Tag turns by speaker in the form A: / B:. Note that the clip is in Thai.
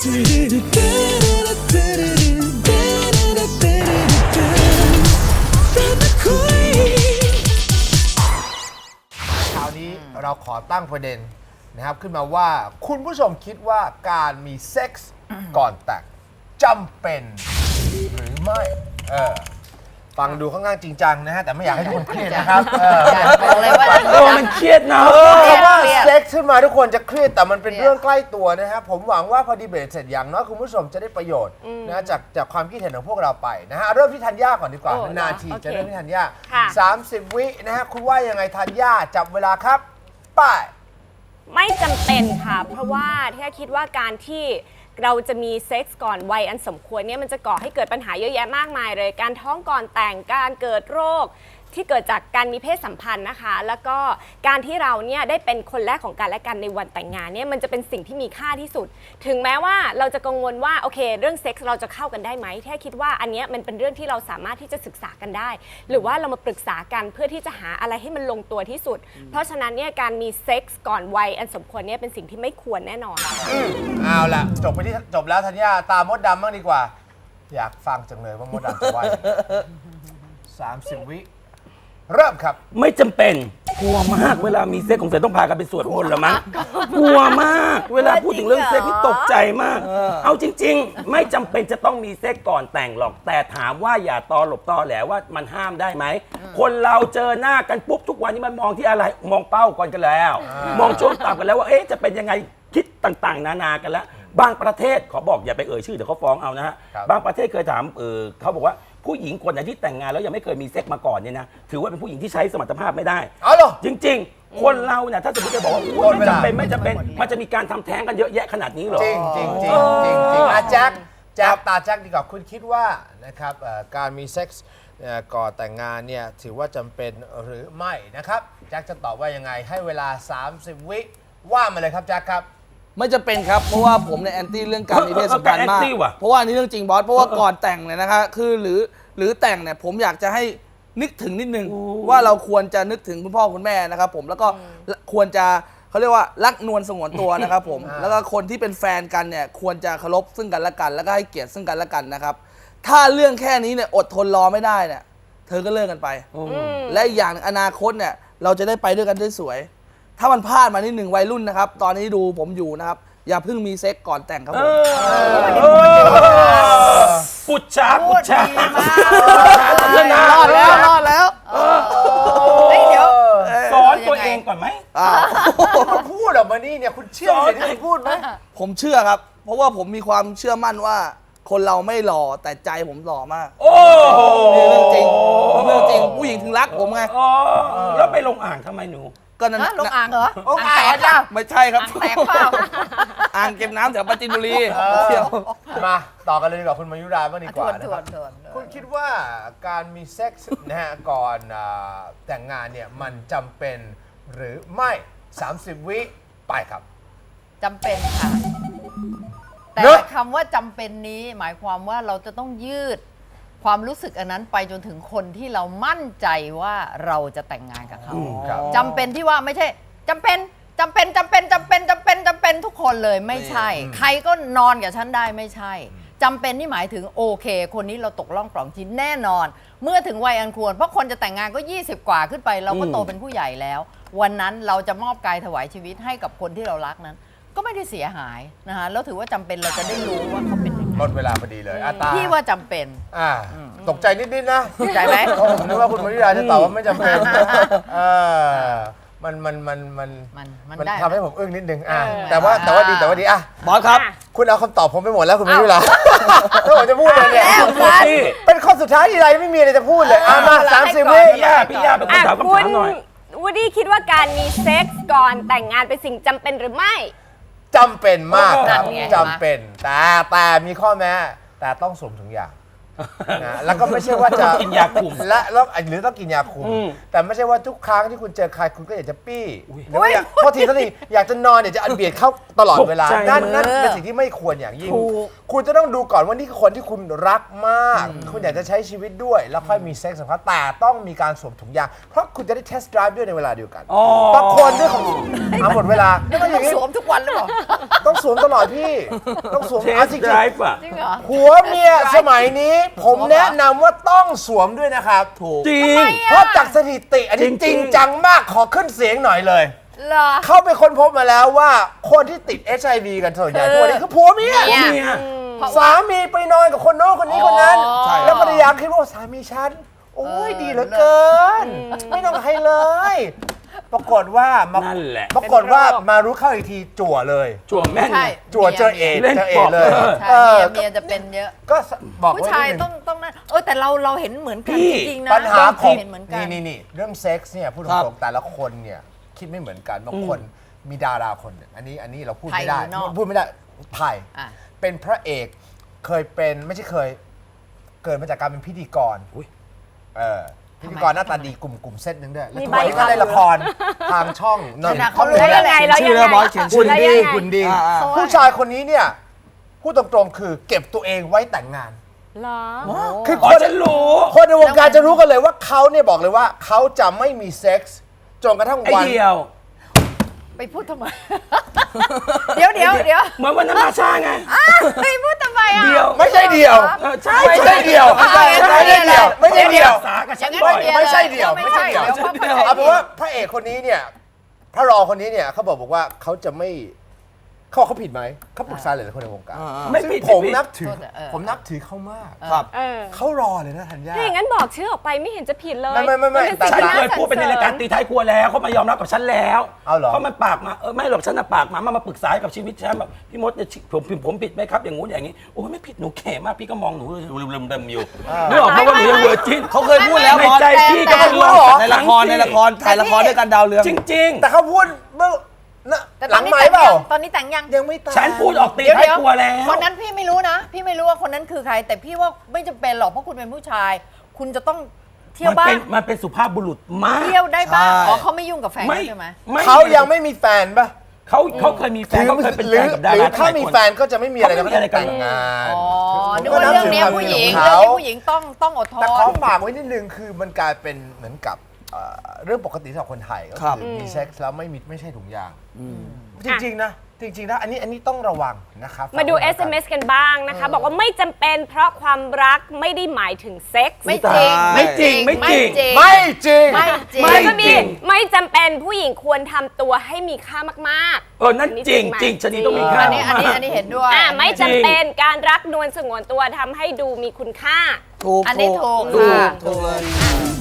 A: คราวนี้เราขอตั้งประเด็นนะครับขึ้นมาว่าคุณผู้ชมคิดว่าการมีเซ็กส์ก่อนแต่งจำเป็นหรือไม่ฟังดูค่อนข้างจริงจังนะฮะแต่ไม่อยากให้ทุกคนเครียดนะครับ
B: บอกเลยว่า
C: มันเครียดนะ
A: เพราะว่าเซ็กส์ขึ้นมาทุกคนจะเครียดแต่มันเป็นเรื่องใกล้ตัวนะฮะผมหวังว่าพอดีเบตเสร็จอย่างน้อยคุณผู้ชมจะได้ประโยชน์นะจากความคิดเห็นของพวกเราไปนะฮะเริ่มที่ธัญญาก่อนดีกว่านาทีจะเริ่มที่ธัญญา30 วินะฮะคุณว่ายังไงธัญญาจับเวลาครับป้าย
D: ไม่จำเป็นค่ะเพราะว่าที่คิดว่าการที่เราจะมีเซ็กส์ก่อนวัยอันสมควรเนี่ยมันจะก่อให้เกิดปัญหาเยอะแยะมากมายเลยการท้องก่อนแต่งการเกิดโรคที่เกิดจากการมีเพศสัมพันธ์นะคะแล้วก็การที่เราเนี่ยได้เป็นคนแรกของกันและกันในวันแต่งงานเนี่ยมันจะเป็นสิ่งที่มีค่าที่สุดถึงแม้ว่าเราจะกังวลว่าโอเคเรื่องเซ็กส์เราจะเข้ากันได้ไหมแค่คิดว่าอันเนี้ยมันเป็นเรื่องที่เราสามารถที่จะศึกษากันได้หรือว่าเรามาปรึกษากันเพื่อที่จะหาอะไรให้มันลงตัวที่สุดเพราะฉะนั้นเนี่ยการมีเซ็กส์ก่อนวัยอันสมควรเนี่ยเป็นสิ่งที่ไม่ควรแน่นอน
A: เอาล่ะจบแล้วธัญญาตามมดดำบ้างดีกว่าอยากฟังจังเลยว่ามดดำจะว่า30 วิเริ่มครับ
C: ไม่จำเป็นกลัวมากเวลามีเซ็กของเสร็จต้องพากันไปสวดมนต์เหรอมั้งกลัวมากเวลาพูดถึงเรื่องเซ็กนี่ตกใจมากเอาจริงๆไม่จำเป็นจะต้องมีเซ็กก่อนแต่งหรอกแต่ถามว่าอย่าตอหลบตอแหลว่ามันห้ามได้ไหมคนเราเจอหน้ากันปุ๊บทุกวันนี้มันมองที่อะไรมองเป้าก่อนกันแล้วมองช่วงต่ำกันแล้วว่าจะเป็นยังไงคิดต่างๆนานากันแล้วบางประเทศขอบอกอย่าไปเอ่ยชื่อเดี๋ยวเขาฟ้องเอานะฮะบางประเทศเคยถามเขาบอกว่าผู้หญิงคนไหนที่แต่งงานแล้วยังไม่เคยมีเซ็กมาก่อนเนี่ยนะถือว่าเป็นผู้หญิงที่ใช้สมรรถภาพไม่ได้จริงๆคนเราเนี่ยถ้าสมมติจะบอกว่าไม่จำเป็นมันจะมีการทำแท้งกันเยอะแยะขนาดนี้หรอ
A: จริงแจ็คตาแจ็คดีกว่าคุณคิดว่านะครับการมีเซ็กส์ก่อนแต่งงานเนี่ยถือว่าจำเป็นหรือไม่นะครับแจ็คจะตอบว่ายังไงให้เวลา30 วิว่ามาเลยครับแจ็คครับ
E: ไม่จำเป็นครับเพราะว่าผมเนี่ยแอนตี้เรื่องการมีเพศสัมพันธ์มากเพราะว่านี่เรื่องจริงบอสเพราะว่าก่อนแต่งเนี่ยนะคะคือหรือแต่งเนี่ยผมอยากจะให้นึกถึงนิดนึงว่าเราควรจะนึกถึงคุณพ่อคุณแม่นะครับผมแล้วก็ควรจะเขาเรียกว่ารักนวลสงวนตัวนะครับผมแล้วก็คนที่เป็นแฟนกันเนี่ยควรจะเคารพซึ่งกันและกันแล้วก็ให้เกียรติซึ่งกันและกันนะครับถ้าเรื่องแค่นี้เนี่ยอดทนรอไม่ได้เนี่ยเธอก็เลิกกันไปและอย่างอนาคตเนี่ยเราจะได้ไปด้วยกันได้สวยถ้ามันพลาดมานิดหนึ่งวัยรุ่นนะครับตอนนี้ดูผมอยู่นะครับอย่าเพิ่งมีเซ็กก่อนแต่งครับผม
C: ปุจฉารอด
E: แล้ว
D: เดี๋ยว
C: สอนตัวเองก่อนไหม
A: พูดออกมานี่เนี่ยคุณเชื่อสิ่งที่คุณพูดไหม
E: ผมเชื่อครับเพราะว่าผมมีความเชื่อมั่นว่าคนเราไม่หล่อแต่ใจผมหล่อมาก
C: โอ้
E: เรื่องจริงผู้หญิงถึงรักผมไง
C: แล้วไปลงอ่างทำไมหนู
E: ก็นั้น
B: ลงอ่างเหรอ
A: อ่างแตกจ้ะ
E: ไม่ใช่ครับ
B: แตกเปล่า
E: อ่างเก็บน้ำแถวปราจีนบุรีเที่ยว
A: มาต่อกันเลยดีกว่าคุณมายุราบ้างดีกว่านะครับคุณคิดว่าการมีเซ็กส์นะฮะก่อนแต่งงานเนี่ยมันจำเป็นหรือไม่30 วิไปครับ
B: จำเป็นค่ะแต่คำว่าจำเป็นนี้หมายความว่าเราจะต้องยืดความรู้สึกอันนั้นไปจนถึงคนที่เรามั่นใจว่าเราจะแต่งงานกับเขาจำเป็นที่ว่าไม่ใช่จำเป็นทุกคนเลยไม่ใช่ใครก็นอนกับฉันได้ไม่ใช่จำเป็นนี่หมายถึงโอเคคนนี้เราตกล่องปล่องชิ้นแน่นอนเมื่อถึงวัยอันควรเพราะคนจะแต่งงานก็20 กว่าขึ้นไปเราก็โตเป็นผู้ใหญ่แล้ววันนั้นเราจะมอบกายถวายชีวิตให้กับคนที่เรารักนั้นก็ไม่ได้เสียหายนะคะแล้วถือว่าจำเป็นเราจะได้รู้ว่าเขาเป็นยังไง
A: หมดเวลาพอดีเลยตา
B: พี่ว่าจำเป็น
A: ตกใจนิดๆนะ
B: ตกใจไหม
A: ผมนึกว่าคุณมาริยาจะตอบว่าไม่จำเป็นมันทำให้ผมอึ้งนิดนึงแต่ว่าดี
E: บอสครับ
A: คุณเอาคำตอบผมไปหมดแล้วคุณมาริยาถ้าผมจะพูดเลยเนี่ยเป็นข้อสุดท้ายที่ไรไม่มีอะไรจะพูดเลยมา30 วิ
C: พี่ย่าเป็นคนถามคำถามหน่อย
D: วูดดี้คิดว่าการมีเซ็กส์ก่อนแต่งงานเป็นสิ่งจำเป็นหรือไม่
A: จำเป็นมากครับจำเป็นแต่มีข้อแม้แต่ต้องสวมถุงยางนะแล้วก็ไม่ใช่ว่าจะ
C: กินยาคุม
A: แล้วหรือต้องกินยาคุม แต่ไม่ใช่ว่าทุกครั้งที่คุณเจอใครคุณก็อยากจะปี้หรือว่าอยากโทษทีอยากจะนอนอยากจะอันเบียดเข้าตลอดเวลา
C: ตกใจ
A: นั่นเป็นสิ่งที่ไม่ควรอย่างยิ่ง
B: ถูก
A: คุณจะต้องดูก่อนว่านี่คือคนที่คุณรักมาก คุณอยากจะใช้ชีวิตด้วย แล้วค่อยมีเซ็กส์กับเขาแต่ต้องมีการสวมถุงยางเพราะคุณจะได้เทสต์ไดรฟ์ด้วยในเวลาเดียวกัน
C: อ๋อ
A: บางคนด้วยของหมดเวลาแล้วมันอ
B: ต้อย่าง
A: งนี้
B: สวมทุกวันหรือเปล่า
A: ต้องสวมตลอดพี่ ต้องสวม
C: เทส
A: จริง
C: ไดรฟ์อ่ะ
B: จริงเหรอ
A: ๆผัวเมียสมัยนี้ ผมแนะนำว่าต้องสวมด้วยนะครับ
E: ถูก
C: จริง
A: เพราะจากสถิติอันนี้
C: จ
A: จ
C: ริ
A: ริ
C: ง
A: ง
C: ๆ
A: จังมากขอขึ้นเสียงหน่อยเลย
B: เหรอ
A: เขาไปค้นพบมาแล้วว่าคนที่ติด HIV กันส่วนใหญ่ทุกวันนี้คือผัวเมีย
B: เนี่ย
C: เนี่ย
A: สามีไปนอนกับคนโน้นคนนี้คนนั้น
B: ใช่
A: แล้วภรรยาคิดว่าสามีฉัน โอ้ยดีเหลือเกิน ไม่ต้องให้เลย ปรากฏว่ามา
C: นั่นแหละ
A: ปรากฏว่ามารู้เข้าอีกทีจั่วเลย
C: จั่วแม่น
B: ใช่
C: ไง
A: จั่วเจอเอด
C: เล่น
A: เจอเอ
C: ป
A: ด
C: อบ
A: เลย
B: ใช่เมียจะเป็นเยอะ
A: ก็บอก
B: ผู้
A: ไว้
B: ชาย
A: นิดนึ
B: ต้องนั่นแต่เราเห็นเหมือนกัน
C: พี่
B: จริงๆนะ
A: ปัญหาของ
B: เห็นเหมือนกัน
A: นี่เรื่องเซ็กส์เนี่ยพูดต
E: ครั
A: รง
E: บ
A: ๆแต่ละคนเนี่ยคิดไม่เหมือนกันบางคนมีดาราคนหนึ่งอันนี้เราพูดไม่ได้
B: ไทยหรือนอก
A: พูดไม่ได้ไทย
B: อ่ะ
A: เป็นพระเอกเคยเป็นไม่ใช่เคย เกิดมาจากการเป็นพิธีกร
C: อุ๊ย
A: พิธีกรหน้าตาดีกลุ่มเซตหนึ่งด้วยแล้ว
D: มี
A: ทุก
D: ใบ
A: วันนี้ก็ได้ละครทางช่องนน
B: ขนาด
A: ท์
B: เขารู้
D: แล้วยังไงแล้ว
E: ชื่
D: ยั
E: อง
D: ไง
E: บอสเขียนชื่
A: คุ
E: อ
A: ณ
D: แล้ว
A: ดี
D: ยังไง
A: คุณดี
E: อ่า
A: ผู้ชายคนนี้เนี่ยพูดตรงๆคือเก็บตัวเองไว้แต่งงาน
D: เหรอ
A: คือ
C: อ๋
A: ค
C: อน ฉันรู้
A: คนในวงการจะรู้กันเลยว่าเขาเนี่ยบอกเลยว่าเขาจะไม่มีเซ็กส์จนกระทั่ง
C: ไอ
A: วัน
C: เดียว
B: ไปพูดทำไม เดี๋ยว
C: เหมือนวันนั้นมาช้าไง
B: ไปพูดทำไมอ่ะ
C: เดียว
A: ไม่ใช่เดียว
C: ใช่
A: ไม่ใช่เดียว
B: ไม่ใช่
A: ไม่ใช่เดียว
C: สากับฉัน
B: อย่าง
C: บ่อย
B: นั้น
A: ไม่ใช่เดี่ยว
B: ไม่ใช่
A: ไม่ใช่เดี่ยว
B: เดี๋ยวเข้าใจ
A: เอาเป็นว่าพระเอกคนนี้เนี่ยพระรองคนนี้เนี่ยเขาบอกว่าเขาจะไม่เขาผิดไหมเขาปรึกษาหลายๆคนในวงการ
C: ไม่ผิด
A: ผม
C: ไม่ผิด
A: นับถือ
B: เออ
A: ผมนับถือเขามาก
E: ครับ
D: เออ
A: เขารอเลยนะธัญญา
D: ถ้าอย่างนั้นบอกชื่อออกไปไม่เห็นจะผิดเลย
A: ไม่
D: นเป็น
A: แต่
C: ฉัน
D: สิ่ง
C: เคย
D: น่า
C: พูดไปในรายการตีท้ายครัวแล้วเขามายอมรับกับฉันแล้ว
A: เอาเหรอ
C: เขามันปากมาไม่หรอกฉันน่ะปากมาปรึกษากับชีวิตฉันแบบพี่มดเนี่ยผมผิดไหมครับอย่างงู้นอย่างนี้โอ้ยไม่ผิดหนูแข่มากพี่ก็มองหนูเริ่มอยู่นึกออกไหมว่าหนูยังเวอร์จิน
E: เขาเคยพูดแล้ว
C: ใน
E: บอส
C: ใจพี่ก็เป็น
A: แต่
E: ในละครถ่ายละครด้วยกันดาวเรือง
C: จริง
A: แต่เขาพูดเมื่อน่ะ
B: แต่
A: ห
B: ตอ
A: ลั
B: น
A: ง
B: นี้
A: ไม้
B: แต่ง
A: เปล่า
B: ยังตอนนี้แต่งยัง
A: ยังไม่ตาย
C: ๆ ฉันพูดออกตีท้ายครัวแล้ว
B: คนนั้นพี่ไม่รู้นะ พี่ไม่รู้ว่าคนนั้นคือใคร แต่พี่ว่าไม่จำเป็นหรอกเพราะคุณเป็นผู้ชาย คุณจะต้องเที่ยวบ้าง
C: มันเป็นสุภาพบุรุษมาก
B: เที่ยวได้บ้าง
E: ใช่
B: อ๋อเขาไม่ยุ่งกับแฟนใช่ไหม
A: เขายังไม่มีแฟนปะ
C: เขาเคยมีแฟนเขาเคยเป็น
A: ห
C: แฟ
A: รื
C: นกับดา
A: หรือ
C: รา
A: ถ้ามีแฟนก็จะไม่มีอะไร
C: เขาไม่มีอะไรกัน
A: แต่งงาน
B: อ๋อนึกว่าเรื่องเนี้ยผู้หญิงเรื่องนี้ผู้หญิงต้องอดทน
A: แต่ขอฝากไว้นิดนึงคือมันกลายเป็นเหมือนกับเรื่องปกติสำหรับคนไทยก็
E: ครับ
A: คือมีเซ็กส์แล้วไม่ใช่ถุงยางจริงๆนะจริงๆนะอันนี้ต้องระวังนะครับ
D: มาดู
A: ฝกไว้ก่อน
D: SMS กันบ้างนะคะ บอกว่าไม่จำเป็นเพราะความรักไม่ได้หมายถึงเซ็กส์
B: ไม่จริง
C: ไม่จริงไม่จริง
A: ไม่จริง
B: ไม่จริง
C: ไม่
D: แล้วก็มี
C: จริง
D: ไม่จำเป็นผู้หญิงควรทำตัวให้มีค่ามาก
C: นั่นจริงจริงชนีต้องมีค่า
B: อันนี้เห็นด้วย
D: ๆไม่จำเป็นการรักนวลสงวนตัวทำให้ดูมีคุณค่า
E: ถูก
B: อันนี้ถูก
E: ถูก
B: ค่ะ
E: ถูกเลย